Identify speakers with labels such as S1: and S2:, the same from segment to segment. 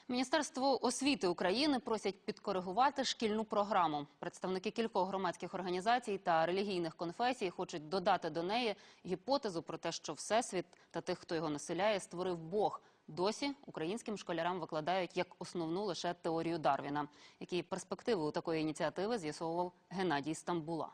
S1: Міністерство освіти України просять підкоригувати шкільну програму. Представники кількох громадських організацій та релігійних конфесій хочуть додати до неї гіпотезу про те, що Всесвіт та тих, хто його населяє, створив Бог. Досі українським школярам викладають як основну лише теорію Дарвіна. Які перспективи у такої ініціативи з'ясовував Геннадій Стамбула.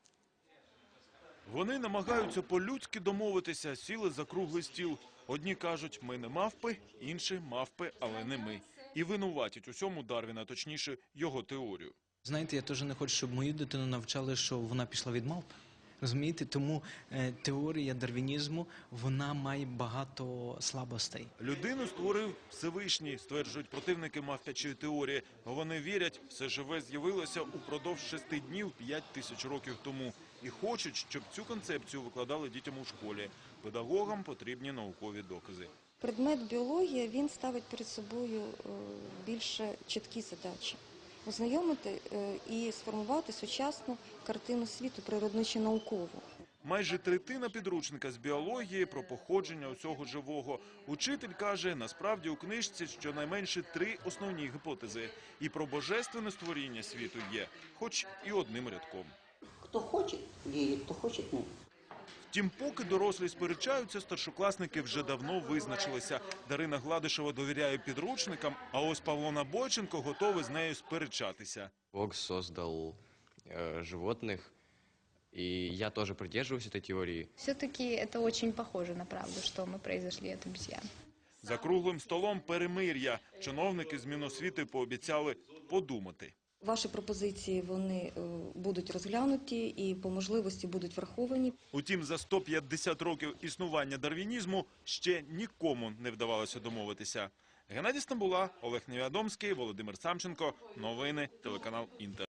S2: Вони намагаються по-людськи домовитися, сіли за круглий стіл. Одні кажуть, ми не мавпи, інші мавпи, але не ми. І винуватять усьому Дарвіна, точніше, його теорію.
S3: Знаєте, я теж не хочу, щоб мою дитину навчали, що вона пішла від мавп. Розумієте? Тому теорія дарвінізму, вона має багато слабостей.
S2: Людину створив Всевишній, стверджують противники мавпячої теорії. Вони вірять, все живе з'явилося упродовж 6 днів 5000 років тому. І хочуть, щоб цю концепцію викладали дітям у школі. Педагогам потрібні наукові докази.
S4: Предмет біологія, він ставить перед собою більше чіткі задачі. Ознайомити і сформувати сучасну картину світу, природничо-наукову.
S2: Майже третина підручника з біології про походження усього живого. Учитель каже, насправді у книжці щонайменше 3 основні гіпотези. І про божественне створіння світу є, хоч і одним рядком.
S5: Хто хоче вірить, хто хоче ні.
S2: Втім, поки дорослі сперечаються, старшокласники вже давно визначилися. Дарина Гладишева довіряє підручникам, а ось Павло Набойченко готовий з нею сперечатися.
S6: Бог создал животных, и я тоже придерживаюсь этой теории.
S7: Все-таки это очень похоже на правду, что мы произошли от обезьян.
S2: За круглим столом перемир'я. Чиновники з Міносвіти пообіцяли подумати.
S4: Ваші пропозиції, вони будуть розглянуті і по можливості будуть враховані.
S2: Утім, за 150 років існування дарвінізму ще нікому не вдавалося домовитися. Геннадій Стамбула, Олег Невідомський, Володимир Самченко. Новини, телеканал Інтер.